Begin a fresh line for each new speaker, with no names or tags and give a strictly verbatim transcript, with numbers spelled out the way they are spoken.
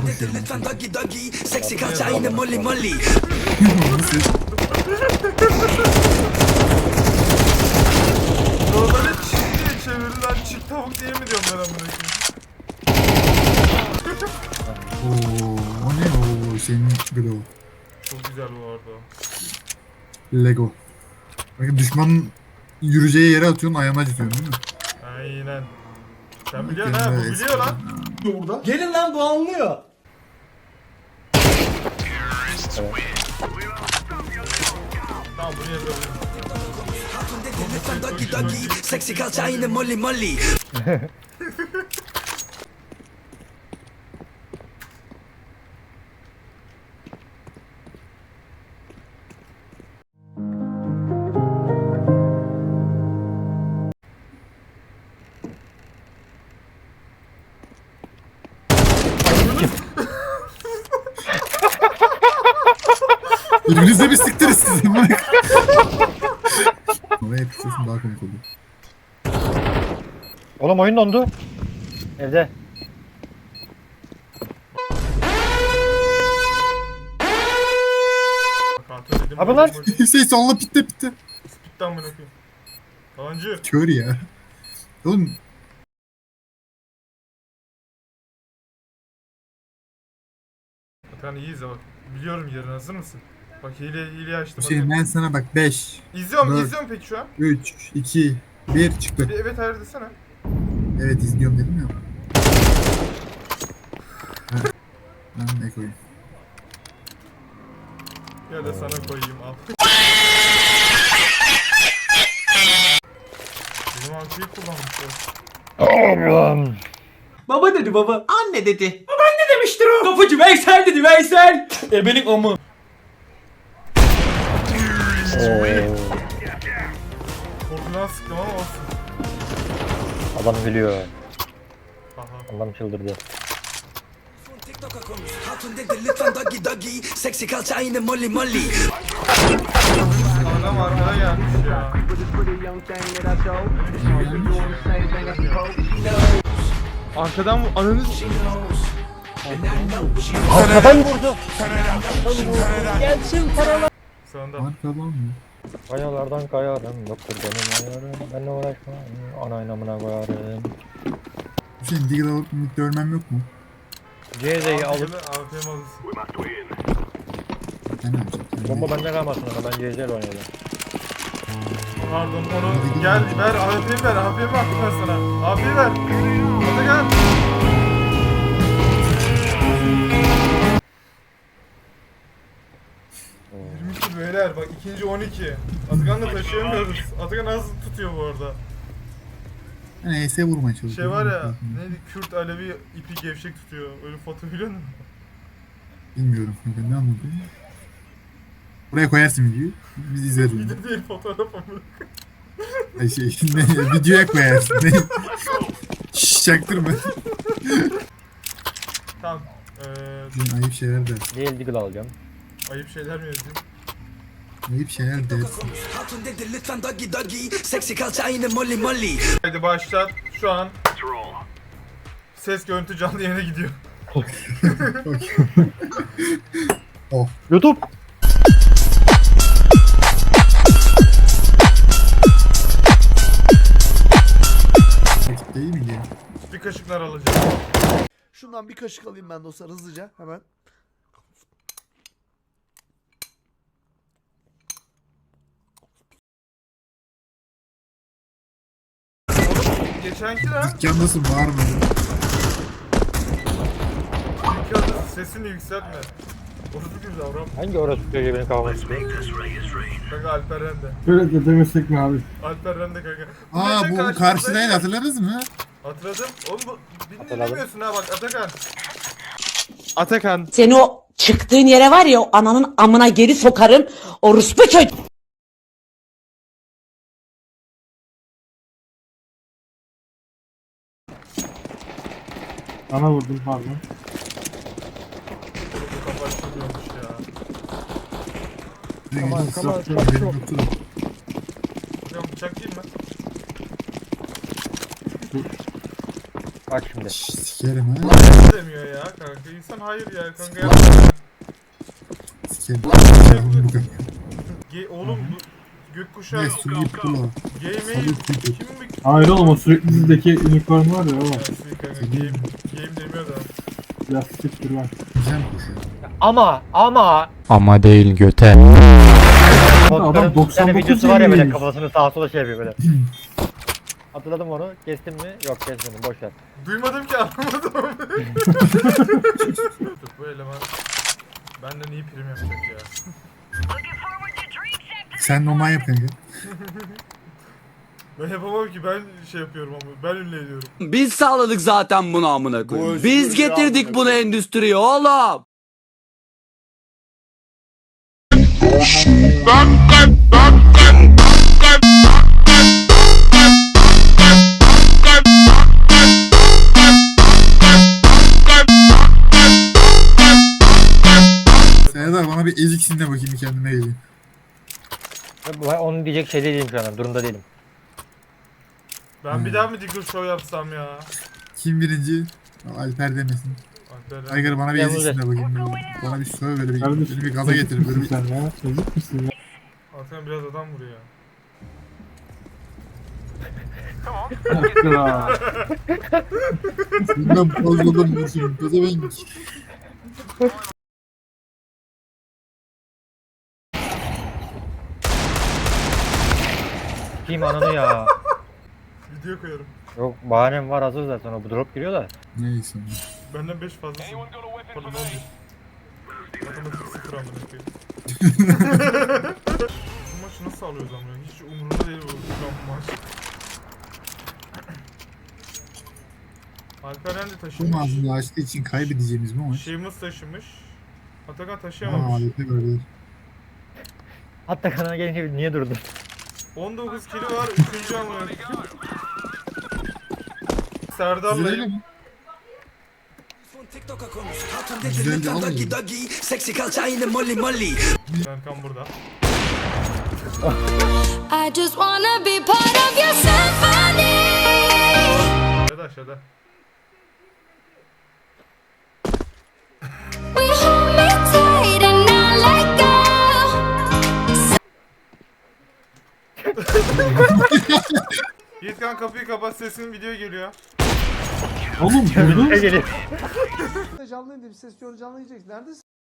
koşuyorum.
Seksi kalça yine molly molly.
Normalde çift diye çevirilen çift tavuk diye mi diyorum ben amına koyayım?
Ooo o ne o senin Glow.
Çok güzel bu arada.
Lego. Bakın düşmanın yürüyeceği yere atıyorsun ayağına acıtıyorsun değil mi?
Aynen. Sen biliyorsun ha, bu biliyor lan.
Gelin lan bu anlıyor.
Tamam bunu yazabilirim.
Doggy doggy. Seksi kalça yine molly molly.
Birbirinize bir siktiriz sizin. Oraya yapıştırsın daha komik olur.
Oğlum oyun dondu. Evde.
Kontrol edin.
Abi lan.
Hüseyin sonla pitte pitte.
Spitten bunu okuyayım. Yalancı.
Kör ya. Oğlum
Atakan iyi izle bak. Biliyorum yerini, hazır mısın? Bak hile hile açtım.
Hüseyin ben sana bak beş,
İzliyorum,
Dört.
izliyorum peki şu an.
üç, iki, bir çıktı.
Bir evet hayır desene.
Evet izliyorum dedim ya. Ha. Ben ne koyayım?
Ya da sana koyayım al. Benim altıyı kullanmışlar.
Allah'ım.
Baba dedi baba. Anne dedi. Babaanne demiştir o. Kapıcı Veysel dedi Veysel. Ebenin amı.
Oo,
Korkudan sıktım ama olsun.
adam gülüyor.
Aha.
Adam çıldırdı.
TikTok'a konuş. Hatun dedi lütfen doggy doggy. Seksi kalça yine molly molly.
Adam arkada gelmiş ya. Arkadan bu ananı
Arkadan vurdu.
Sonunda.
Arkadan mı?
Kayalardan kayarım. Yoktur benim ayarım. Benle uğraşma. Ana namına koyarım.
Hüseyin Deagle alıp mid görmem yok mu?
C Z'yi alıp
A P M alırsın.
Ben ne yapacağım? Yani
bomba bende kalmasın ama ben C Z ile oynayacağım.
Pardon onu gel ver A P'yi ver A P'yi attım ben sana. A P'yi ver. Hadi gel. yirmi iki beyler bak ikinci on iki. Atakan'la taşıyamıyoruz. Atakan az tutuyor bu arada.
Ben E S vurmaya çalışıyorum.
Şey var ya neydi Kürt Alevi ipi gevşek tutuyor. Öyle foto biliyor musun?
Bilmiyorum. Ben ne anladım? Buraya koyarsın videoyu. Biz izleriz onu.
Video değil fotoğraf amına.
Ay şey, ne, videoya koyarsın. Ne? Şşş çaktırma.
Tamam. Eee
Hüseyin ayıp şeyler der.
Değil Deagle alacağım.
ayıp şeyler mi yazayım?
Ayıp şeyler dersin.
Hatun dedi lütfen doggy doggy. Seksi kalça yine molly molly.
Haydi başlat. Şu an ses görüntü canlı yayına gidiyor.
Oh.
YouTube.
Rakip değil mi diye.
Bir kaşıklar alacağım.
Şundan bir kaşık alayım ben dostlar hızlıca hemen.
Geçenki lan.
Dükkandasın var mı?
Çünkü adı sesini yükseltme. Orası bir davran.
Hangi orası çocuğu benim kafama sıkıyor?
Kanka Alper Rende.
Böyle de demesek mi abi?
Alper Rende kanka.
Aa
geçen
bu
karşımızdaydı.
karşıdaydı hatırladınız mı?
Hatırladım. Oğlum bu beni
Hatırladım.
dinlemiyorsun ha bak Atakan. Atakan.
Seni o çıktığın yere var ya o ananın amına geri sokarım. Orospu çocuğu.
Ana vurdum pardon.
Bu kafa açılıyormuş ya.
Aman
aman,
Benim yoktu da.
Hocam bıçak değil mi?
Bak şimdi.
Şşş, sikerim ha.
demiyor ya kanka. İnsan hayır ya kanka yapma.
Sikerim. Sikerim bu kadar.
Ge oğlum bu gökkuşağı
Ne suyu pula.
Game'i kim mi?
Hayır oğlum o sürekli dizideki unicorn var ya o.
Ya siz kanka game, game demiyor da.
Ya siktir lan.
Güzel kuş.
Ama ama.
Ama değil göte.
Adam
Botların bir
doksan
tane
dokuz
videosu var ya böyle
seviyeymiş.
kafasını sağa sola şey yapıyor böyle. Hatırladım onu. Kestim mi? Yok kesmedim. Boş ver.
Duymadım ki anlamadım. Bu eleman benden iyi prim yapacak ya.
Sen normal yap kanka.
Ben yapamam ki ben şey yapıyorum ama ben ünlü ediyorum.
Biz sağladık zaten bunu amına koyayım. Biz getirdik bunu endüstriye oğlum.
Serdar bana bir eziksin de bakayım bir kendime geleyim.
Ben onu diyecek şey değilim şu an. Durumda değilim.
Ben bir daha mı Diggle Show yapsam ya?
Kim birinci? Alper demesin.
Alperen.
Aygır bana bir
Yalnız-
eziksin de bakayım. Böyle. Bana bir söyle böyle bir,
Kardeşim,
beni bir gaza getir böyle bir.
Sen ya. Çocuk musun ya?
Alperen biraz adam vuruyor.
Siktir ha.
Bundan fazladan vursun. Gaza ben.
Kim ananı ya.
Video koyarım.
Yok bahanem var hazır zaten o bu drop giriyor da.
Neyse.
Benden beş fazlasın. Pardon on bir. Matematik sıfır amına koyayım. Bu maçı nasıl alıyoruz ama ya? Hiç umurumda değil bu şu an bu maç. Alperen de
Bu
taşımış.
mağazını açtığı için kaybedeceğimiz bu maç.
Şeyimiz taşımış. Atakan
Aa,
taşıyamamış.
aleti gördü.
Hatta kanala gelince niye durdun?
on dokuz kili var. üçüncü amına koyayım.
Güzel
Serdar'layım.
mi?
TikTok'a konuş. Hatun dedi
Güzel
lütfen
de
doggy
almıyor.
doggy. Seksi kalça yine molly molly.
Serkan burada.
I just wanna be part of your symphony.
Aşağıda aşağıda.
We hold me tight and not let go.
Yiğitkan kapıyı kapat, sesin video geliyor.
Oğlum vurdun.
Geliyor.
Canlı indim, ses canlı yiyeceksin. Neredesin?